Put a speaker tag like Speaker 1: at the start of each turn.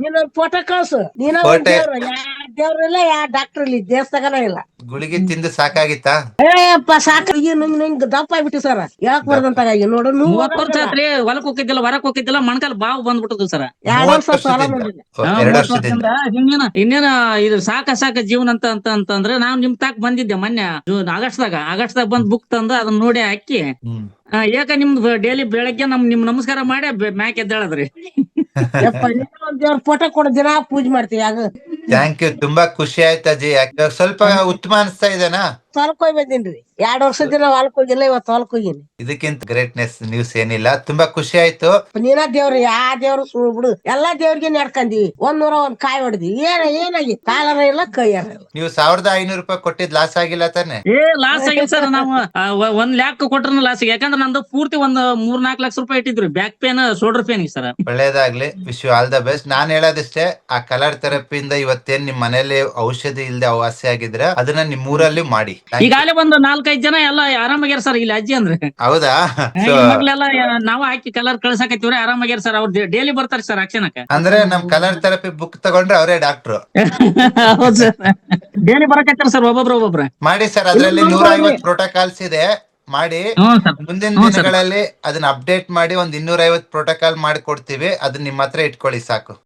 Speaker 1: ನೀನೊಂದ್ photo ಕಳ್ಸು. ನೀನ ಒಂದ್
Speaker 2: ಕೋಟೆ
Speaker 1: ದೇವ್ರ, ಯಾ ದೇವ್ರ ಇಲ್ಲ, ಯಾ ಡಾಕ್ಟರ್ ಇಲ್ಲಿ ದೇವಸ್ಥಾನ ಇಲ್ಲ.
Speaker 2: ಗುಳಿಗೆ ತಿಂದು ಸಾಕಾಗಿತ್ತಾ?
Speaker 1: ಏಪ್ಪ ಸಾಕು, ಈಗ ನಿಂಗ್ ದಪ್ಪ ಆಗ್ಬಿಟ್ಟು ಸರ್, ಯಾಕೆ ಬರ್ದಂತಾಗ ನೋಡು.
Speaker 3: 30 ವರ್ಷ ಆತ್ರಿ, ಹೊಲಕ್ ಹೋಗಿದ್ದಿಲ್ಲ, ಹೊರಕ್ ಹೋಗಿದ್ದಿಲ್ಲ, ಮಣ್ಕಾಲ್ ಬಾವು ಬಂದ್ಬಿಟ್ಟದು ಸರ್.
Speaker 1: 2 ವರ್ಷ
Speaker 2: 30
Speaker 1: ಸಾಲ
Speaker 2: ವರ್ಷದಿಂದ
Speaker 1: ಮಾಡಿಲ್ಲ.
Speaker 2: 2
Speaker 3: 30
Speaker 2: ವರ್ಷದಿಂದ
Speaker 3: ವರ್ಷದಿಂದ ಇನ್ನೇನ ಇದು ಸಾಕ ಜೀವನ ಅಂತಂದ್ರೆ ನಾವ್ ನಿಮ್ ತಾಕ್ ಬಂದಿದ್ದೆ ಮೊನ್ನೆ ಆಗಸ್ಟ್ದಾಗ ಬಂದ್ ಬುಕ್ ತಂದು ಅದನ್ನ ನೋಡಿ ಹಾಕಿ, ಯಾಕ ನಿಮ್ದು ಡೈಲಿ ಬೆಳಗ್ಗೆ ನಿಮ್ ನಮಸ್ಕಾರ ಮಾಡಿ ಮ್ಯಾಕ್ ಎದ್ದೇಳದ್ರಿ.
Speaker 1: ಯಪ್ಪ ನೀನು ಒಂದ್ ದೇವ್ರ ಫೋಟೋ ಕೊಡು, ದಿನ ಪೂಜೆ ಮಾಡ್ತೀವಿ. ಆಗ
Speaker 2: ಥ್ಯಾಂಕ್ ಯು, ತುಂಬಾ ಖುಷಿ ಆಯ್ತು ಅಜ್ಜಿ. ಇವಾಗ ಸ್ವಲ್ಪ ಉತ್ತಮ ಅನಿಸ್ತಾ ಇದೆನಾ?
Speaker 1: ಹೊಲಕ್ ಹೋಗಿ ಬಂದಿನ್ರಿ. 2 ವರ್ಷದಿಂದ ಹೊಲಕ್ ಹೋಗಿಲ್ಲ, ಇವತ್ತು ಹೊಲಕ್ ಹೋಗಿನಿ.
Speaker 2: ಇದಕ್ಕಿಂತ ಗ್ರೇಟ್ನೆಸ್ ನ್ಯೂಸ್ ಏನಿಲ್ಲ. ತುಂಬಾ ಖುಷಿ ಆಯ್ತು.
Speaker 1: ನೀನ ದೇವ್ರು, ಯಾ ದೇವ್ರು ಸುಳ್ಳು ಬಿಡು. ಎಲ್ಲಾ ದೇವ್ರಿಗೆ ನಡ್ಕಂದಿವಿ. 101 ಕಾಯಿ ಹೊಡೆದಿ, ಏನಾಗಿ ಕಾಲರ ಇಲ್ಲ, ಕೈಯಾರ ಇಲ್ಲ.
Speaker 2: ನೀವು 1500 ರೂಪಾಯಿ ಕೊಟ್ಟಿದ್ ಲಾಸ್ ಆಗಿಲ್ಲ ತಾನೆ?
Speaker 3: ಲಾಸ್ ಆಗಿಲ್ಲ ಸರ್. ನಾವು 1 ಲ್ಯಾಕ್ ಕೊಟ್ರ ಲಾಸ್, ಯಾಕಂದ್ರೆ ನಂದು ಪೂರ್ತಿ ಒಂದು 3-4 ಲಕ್ಷ ರೂಪಾಯಿ ಇಟ್ಟಿದ್ರು back pain, shoulder pain sir.
Speaker 2: ಒಳ್ಳೇದಾಗ್ಲಿ, wish you all the best. ನಾನ್ ಹೇಳೋದಿಷ್ಟೇ, ಆ ಕಲರ್ ಥೆರಪಿಯಿಂದ ಇವತ್ತೇನ್ ನಿಮ್ ಮನೇಲಿ ಔಷಧಿ ಇಲ್ದೆ ವಾಸಿ ಆಗಿದ್ರೆ ಅದನ್ನ ನಿಮ್ ಊರಲ್ಲಿ ಮಾಡಿ.
Speaker 3: ಈಗಾಗಲೇ ಒಂದು 4-5 ಜನ ಎಲ್ಲ ಆರಾಮಾಗ್ಯಾರ ಸರ್ ಇಲ್ಲಿ ಅಜ್ಜಿ ಅಂದ್ರೆ.
Speaker 2: ಹೌದಾ?
Speaker 3: ಮಕ್ಳೆಲ್ಲ ನಾವು ಹಾಕಿ ಕಲರ್ ಕಳ್ಸಾಕತ್ತೀವ್ರಿ, ಆರಾಮಾಗ್ಯಾರ ಸರ್. ಅವ್ರು ಡೈಲಿ ಬರ್ತಾರೆ ಸರ್ ಆಕ್ಷನಕ್ಕ.
Speaker 2: ಅಂದ್ರೆ ನಮ್ ಕಲರ್ ಥೆರಪಿ ಬುಕ್ ತಗೊಂಡ್ರೆ ಅವರೇ ಡಾಕ್ಟ್ರು.
Speaker 3: ಹೌದು ಸರ್, ಡೈಲಿ ಬರಕತ್ತಾರ ಸರ್ ಒಬ್ಬೊಬ್ರ.
Speaker 2: ಮಾಡಿ ಸರ್, ಅದ್ರಲ್ಲಿ 150 ಪ್ರೋಟೋಕಾಲ್ಸ್ ಇದೆ, ಮಾಡಿ. ಮುಂದಿನ ದಿನಗಳಲ್ಲಿ ಅದನ್ನ ಅಪ್ಡೇಟ್ ಮಾಡಿ 1 250 ಪ್ರೋಟೋಕಾಲ್ ಮಾಡಿ ಕೊಡ್ತೀವಿ. ಅದನ್ನ ನಿಮ್ ಹತ್ರ ಇಟ್ಕೊಳ್ಳಿ ಸಾಕು.